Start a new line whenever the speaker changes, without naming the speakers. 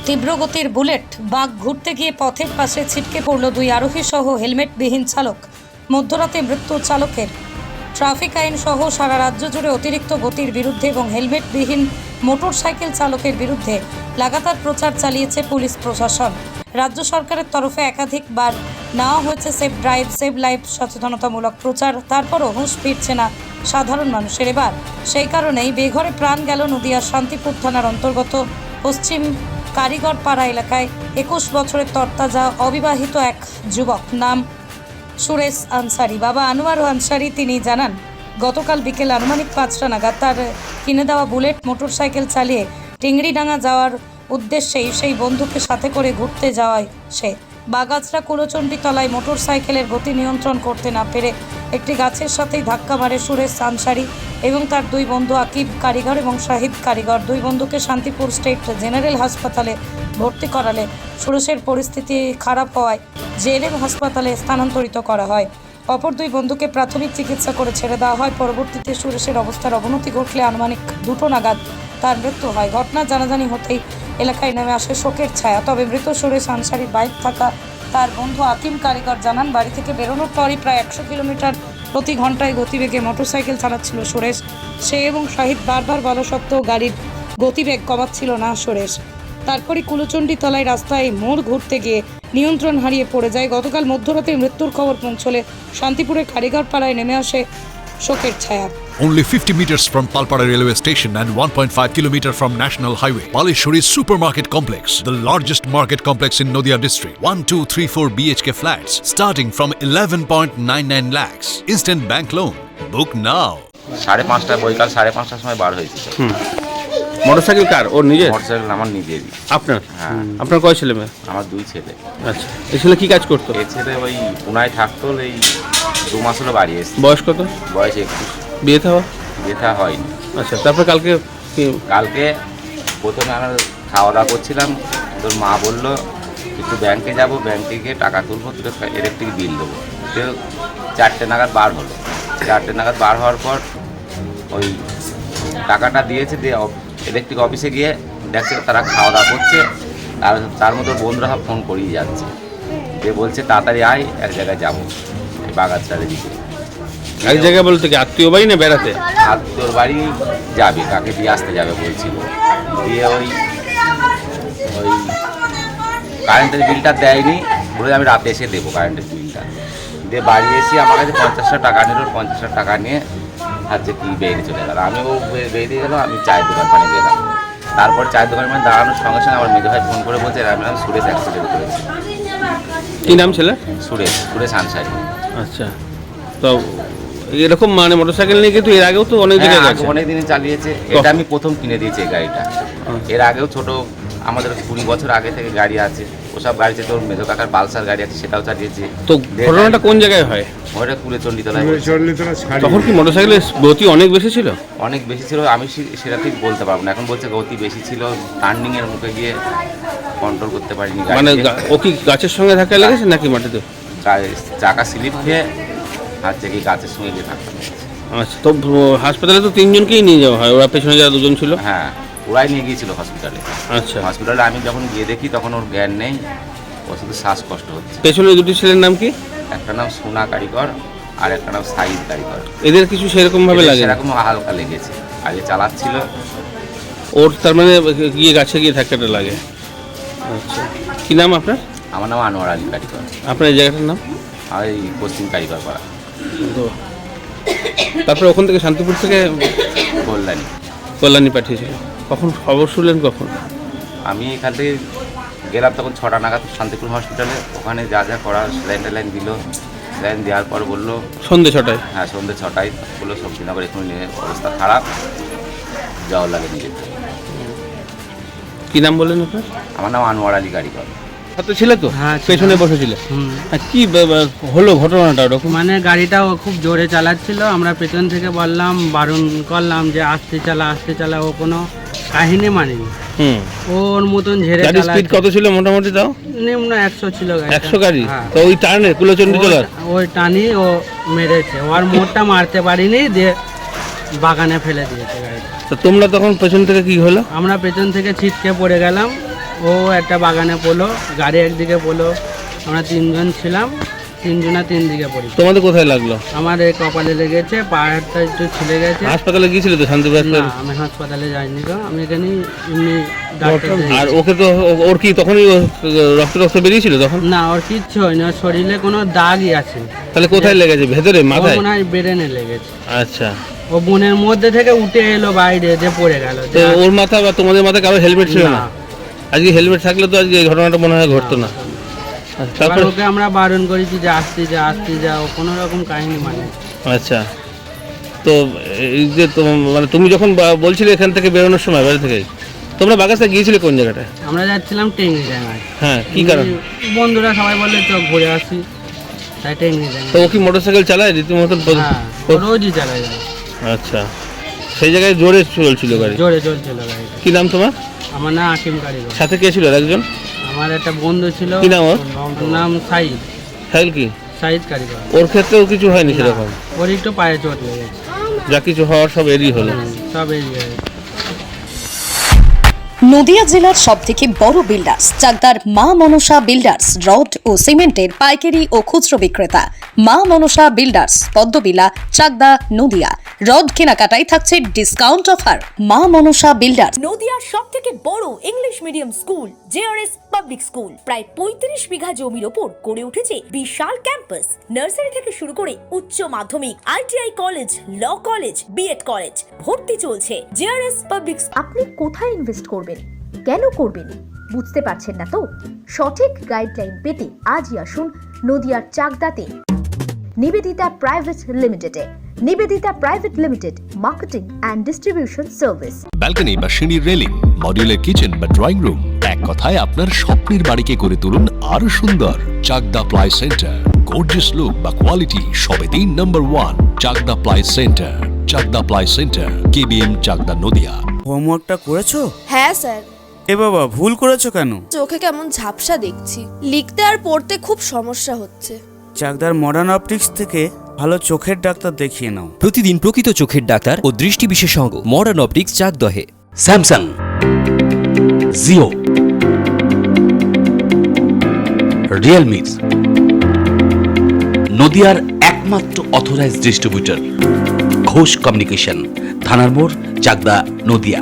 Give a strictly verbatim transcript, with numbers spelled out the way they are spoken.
তীব্র গতির বুলেট বাঘ ঘুরতে গিয়ে পথের পাশে ছিটকে পড়ল দুই আরোহী সহ হেলমেটবিহীন চালক। মধ্যরাতে মৃত্যু চালকের। ট্রাফিক আইন সহ সারা রাজ্য জুড়ে অতিরিক্ত গতির বিরুদ্ধে এবং হেলমেটবিহীন মোটরসাইকেল চালকের বিরুদ্ধে লাগাতার প্রচার চালিয়েছে পুলিশ প্রশাসন। রাজ্য সরকারের তরফে একাধিকবার নেওয়া হয়েছে সেফ ড্রাইভ সেভ লাইফ সচেতনতামূলক প্রচার, তারপরও হুঁশ ফিরছে না সাধারণ মানুষের। এবার সেই কারণেই বেঘরে প্রাণ গেল নদিয়ার শান্তিপুর থানার অন্তর্গত পশ্চিম কারিগর পাড়া এলাকায় একুশ বছরের তরতাজা অবিবাহিত এক যুবক, নাম সুরেশ আনসারি। বাবা আনোয়ার আনসারি তিনি জানান, গতকাল বিকেল আনুমানিক পাঁচটা নাগাদ তার কিনে দেওয়া বুলেট মোটরসাইকেল চালিয়ে টিংড়িডাঙ্গা যাওয়ার উদ্দেশ্যেই সেই বন্ধুকে সাথে করে ঘুরতে যাওয়ায় সে বাগাছড়া কুলোচণ্ডী তলায় মোটরসাইকেলের গতি নিয়ন্ত্রণ করতে না পেরে একটি গাছের সাথেই ধাক্কা মারে সুরেশ আনসারি এবং তার দুই বন্ধু আকিব কারিগর এবং শাহিদ কারিগর। দুই বন্ধুকে শান্তিপুর স্টেট জেনারেল হাসপাতালে ভর্তি করালে সুরেশের পরিস্থিতি খারাপ হওয়ায় জেএলএম হাসপাতালে স্থানান্তরিত করা হয়। অপর দুই বন্ধুকে প্রাথমিক চিকিৎসা করে ছেড়ে দেওয়া হয়। পরবর্তীতে সুরেশের অবস্থার অবনতি ঘটলে আনুমানিক দুটো নাগাদ তার মৃত্যু হয়। ঘটনা জানাজানি হতেই এলাকায় নেমে আসে শোকের ছায়া। তবে মৃত সুরেশ আনসারির বাইক থাকা তার বন্ধু আকিম কারিগর জানান, বাড়ি থেকে বেরোনোর পরই প্রায় একশো কিলোমিটার প্রতি ঘন্টায় গতিবেগে মোটরসাইকেল চালাচ্ছিল সুরেশ। সে এবং শাহিদ বারবার বলা সত্ত্বেও গাড়ির গতিবেগ কমাচ্ছিল না সুরেশ। তারপরই কুলোচণ্ডী তলায় রাস্তায় মোড় ঘুরতে গিয়ে নিয়ন্ত্রণ হারিয়ে পড়ে যায়। গতকাল মধ্যরাতে মৃত্যুর খবর পৌঁছলে শান্তিপুরের কারিগর পাড়ায় নেমে আসে শোকের ছায়া।
Only fifty meters from Palpara railway station and one point five kilometer from National Highway, Palishuri Supermarket Complex, the largest market complex in Nadia district. one, two, three, four B H K flats starting from eleven point nine nine lakhs. Instant bank loan. Book now.
সাড়ে পাঁচটা বৈকাল সাড়ে পাঁচটার সময় বার হয়েছিল।
Motorcycle কার? ওর নিজের?
Motorcycle আমার নিজেরই।
আপনার?
হ্যাঁ।
আপনার কয় ছেলে মেয়ে?
আমার দুই ছেলে।
আচ্ছা, এই ছেলে কি কাজ করতো?
এই ছেলে ওই পুনায় থাকতো, এই দু মাস হলো বাড়ি এসেছে।
বয়স কত?
বয়স একুশ।
বিয়ে থাওয়া?
যেটা হয়নি।
আচ্ছা, তারপর কালকে কি-
কালকে প্রথমে আমরা খাওয়া দাওয়া করছিলাম, তোর মা বললো একটু ব্যাংকে যাব, ব্যাংকে গিয়ে টাকা তুলবো, তুলে ইলেকট্রিক বিল দেবো। তো চারটে নাগাদ বার হলো। চারটে নাগাদ বার হওয়ার পর ওই টাকাটা দিয়েছে, দিয়ে ইলেকট্রিক অফিসে গিয়ে দেখছে তারা খাওয়া দাওয়া করছে, আর তার মতো বন্ধুরা সব ফোন করিয়ে যাচ্ছে, যে বলছে তাড়াতাড়ি আয়, এক জায়গায় যাবো, এই বাগাছড়ার দিকে।
এক জায়গায় বলতে কি আত্মীয় বাড়ি না বেড়াতে?
আত্মীয়র বাড়ি যাবে, কাকে দিয়ে আসতে যাবে বলছিল। দিয়ে ওই ওই কারেন্টের বিলটা দেয়নি, বলে আমি রাতে এসে দেবো কারেন্টের বিলটা। দিয়ে বাড়ি এসে আমার কাছে পঞ্চাশটা টাকা নিল, পঞ্চাশটা টাকা নিয়ে হচ্ছে কি বেরিয়ে চলে গেল। আমিও বেরিয়ে গেলাম, আমি চায়ের দোকান পানি গেলাম। তারপর চায়ের দোকান মানে দাঁড়ানোর সঙ্গে সঙ্গে আমার মেজো ভাই ফোন করে বলছে আমি নাম সুরেশ অ্যাক্সিডেন্ট করেছি।
কি নাম ছেলে?
সুরেশ, সুরেশ আনসারি।
আচ্ছা, তো এরকম মানে মোটরসাইকেল নিয়ে কিন্তু এর আগেও তো অনেক দিন
হ্যাঁ, আগে অনেক দিনই চালিয়েছে। এটা আমি প্রথম কিনে দিয়েছি এই গাড়িটা। এর আগেও ছোট আমাদের কুড়ি বছর আগে থেকে গাড়ি আছে, ওসব গাড়িতে তোর মেজো কাকার পালসার গাড়ি আছে, সেটাও চালিয়েছে।
তো ঘটনাটা কোন জায়গায় হয়?
ওটা কুলেচণ্ডী তলায়।
তখন কি মোটরসাইকেলের গতি অনেক বেশি ছিল?
অনেক বেশি ছিল, আমি সে- সেটা ঠিক বলতে পারবো না। এখন বলছে গতি বেশি ছিল, টার্নিং এর মুখে গিয়ে কন্ট্রোল করতে পারিনি
মানে
গাড়িকে।
গা- ও কি গাছের সঙ্গে ধাক্কা লেগেছে নাকি মাটিতে?
গা- চাকা স্লিপ খেয়ে হচ্ছে কি গাছের সঙ্গে গিয়ে ধাক্কা লেগেছে।
আচ্ছা, তো ও- হাসপাতালে তো তিনজনকেই নিয়ে যাওয়া হয়, ওরা পেছনে যারা দুজন ছিল?
হ্যাঁ, ওরাই নিয়ে গিয়েছিল হসপিটালে।
আচ্ছা,
হসপিটালে আমি যখন গিয়ে দেখি তখন ওর জ্ঞান নেই, ওর শুধু শ্বাসকষ্ট হচ্ছে।
পেছনে দুটি ছেলের নাম কি?
একটা নাম সোনা কারিগর আর একটা নাম সাইদ কারিগর।
এদের কিছু সেরকম ভাবে লাগে না?
সেরকম হালকা লেগেছে, আগে চালাচ্ছিল।
ওর তার মানে গিয়ে গাছে গিয়ে ধাক্কাটা লাগে। আচ্ছা, কি নাম আপনার?
আমার নাম আনোয়ার আলী কারিগর,
আপনার এই জায়গাটার নাম?
আর এই পশ্চিম কারিগর পাড়া,
তো তারপরে ওখান থেকে শান্তিপুর থেকে
কল্যাণী।
কল্যাণী পাঠিয়েছিল। কখন খবর শুনলেন কখন?
আমি এখান থেকে গেলাম তখন ছটা নাগাদ শান্তিপুর হসপিটালে। ওখানে যা যা করার স্যালাইন ট্যালাইন দিল, স্যালাইন দেওয়ার পর বললো
সন্ধ্যে ছটায়?
হ্যাঁ, সন্ধ্যে ছটায় বললো শক্তিনগর এখন নিয়ে অবস্থা খারাপ, যাওয়ার লাগে নিয়ে যেতে।
কি নাম বললেন আপনার?
আমার নাম আনোয়ার আলী কারিগর।
সাথে ছিল তো?
হ্যাঁ,
পেছনে বসেছিল?
হুম।
আর কি বে- বে- হলো ঘটনাটা ওরকম?
মানে গাড়িটা ও খুব জোরে চালাচ্ছিল, আমরা পেছন থেকে বললাম, বারণ করলাম যে আস্তে চালা আস্তে চালা, ও কোনো কাহিনী মানেনি।
হুম।
ওর মতন ঝেড়ে
গাড়ির স্পিড কত ছিল মোটামুটি তাও?
নিম্ন একশো ছিল গাড়িটা।
একশো গাড়ি?
হ্যাঁ।
তো ওই টার্নে কুলোচণ্ডী তলার?
ও- ওই টানি ও মেরেছে, ওর মোড়টা মারতে পারিনি, দিয়ে বাগানে ফেলে দিয়েছে গাড়িটা।
তো তোমরা তখন পেছন থেকে কি হলো?
আমরা পেছন থেকে ছিটকে পড়ে গেলাম, ও একটা বাগানে পড়লো, গাড়ি একদিকে পড়লো, আমরা তিনজন ছিলাম, তিনজনা তিন দিকে পড়ি।
তোমাদের কোথায় লাগলো?
আমার এই কপালে লেগেছে, পাহাড়টা একটু ছিলে গেছে।
হাসপাতালে গিয়েছিল তো শান্তিপুর
না,
হাসপাতালে?
আমি হাসপাতালে যাইনি তো, আমি এখানে এমনি ডাক্তার
আর
দেখিয়েছি।
ওকে তো ও- ওর কি তখনই ও রক্ত রক্ত বেরিয়েছিল তখন?
না, ওর কিচ্ছু হয়নি, ওর শরীরে কোনো দাগই আছে।
তাহলে কোথায় লেগেছে? ভেতরে,
ওর
মাথায়?
মনে হয় ব্রেনে লেগেছে।
আচ্ছা,
ও বনের মধ্যে থেকে উঠে এলো বাইরে, যে পড়ে গেল।
তো ওর মাথা বা তোমাদের মাথায় কারো হেলমেট ছিল না?
না।
আজকে হেলমেট থাকলে তো আজকে এই ঘটনাটা মনে হয় ঘটতো না। আচ্ছা,
এবার
তারপর?
ওকে আমরা বারণ করেছি যে আসতে যা আসতে যা, ও কোনো রকম কাহিনী মানে।
আচ্ছা, তো এই যে তোম- মানে তুমি যখন বা- বলছিলে এখান থেকে বেরোনোর সময় বাড়ি থেকে, তোমরা বাগাসটা গিয়েছিলে কোন জায়গাটায়?
আমরা যাচ্ছিলাম টেঙ্গি ডাঙায়।
হ্যাঁ, কি কারণ?
বন্ধুরা সবাই বললে চোখ ঘুরে আসি, তাই টেঙ্গি
তো
ডাঙায়।
ও কি মোটরসাইকেল চালায় রীতিমতো?
হ্যাঁ, ও রোজই চালাই যায়।
আচ্ছা, সেই জায়গায় জোরে চলছিল গাড়ি?
জোরে চলছিল গাড়িটা।
কি নাম তোমার?
আমার নাম আকিম কারিগর।
সাথে কে ছিল আর একজন?
আমার একটা বন্ধু ছিল।
কি নাম ওর?
ওর নাম সাইদ,
সাইল কি?
সাইদ কারিগর।
ওর ক্ষেত্রেও কিছু হয়নি সেরকম?
ওর একটু পায়ে চোট লেগেছে।
যা কিছু হওয়ার সব এরই হলো।
হুম, সব এরিয়া।
নদিয়া জেলার সবথেকে বড় বিল্ডার্স চাকদার মা মনসা বিল্ডার্স রড ও সিমেন্টের পাইকারি ও খুচরো বিক্রেতা। মা মনসা বিল্ডার্স, পদ্মবিলা, চাকদা, নদিয়া। রড কেনাকাটায় থাকছে ডিসকাউন্ট অফার। মা মনসা বিল্ডার্স।
নদিয়ার সব থেকে বড় English medium school JRS public school প্রায় পঁয়ত্রিশ বিঘা জমির ওপর গড়ে উঠেছে বিশাল ক্যাম্পাস। নার্সারি থেকে শুরু করে উচ্চ মাধ্যমিক, ITI college, law college, BEd college, ভর্তি চলছে। JRS public.
আপনি কোথায় ইনভেস্ট করবেন, কেন করবেন বুঝতে পারছেন না তো? সঠিক গাইডলাইন পেতে আজই আসুন নদিয়ার চাকদাতে নিবেদিতা প্রাইভেট লিমিটেডে। Nivedita private limited, marketing and distribution service.
Balcony বা সিঁড়ির রেলিং, মডিউলার কিচেন বা ড্রয়িং রুম, এক কথায় আপনার স্বপ্নের বাড়িকে করে তুলুন আরো সুন্দর। Chakdah ply centre, gorgeous look বা কোয়ালিটি সবে তিন number one. Chakdah ply centre, Chakdah ply centre, KBM, Chakdah, Nadia.
হোমওয়ার্কটা করেছো?
হ্যাঁ স্যার।
এ বাবা, ভুল করেছো কেন?
চোখে কেমন ঝাপসা দেখছি, লিখতে আর পড়তে খুব সমস্যা হচ্ছে।
চাকদার মডার্ন অপটিক্স থেকে ভালো চোখের ডাক্তার দেখিয়ে নাও।
প্রতিদিন প্রকৃত চোখের ডাক্তার ও দৃষ্টি বিশেষজ্ঞ মডার্ন অপটিক্স চাকদহে।
স্যামসাং, জিও, রিয়েলমি, নদিয়ার একমাত্র অথরাইজড ডিস্ট্রিবিউটর ঘোষ কমিউনিকেশন, থানার মোড়, চাকদা, নদিয়া।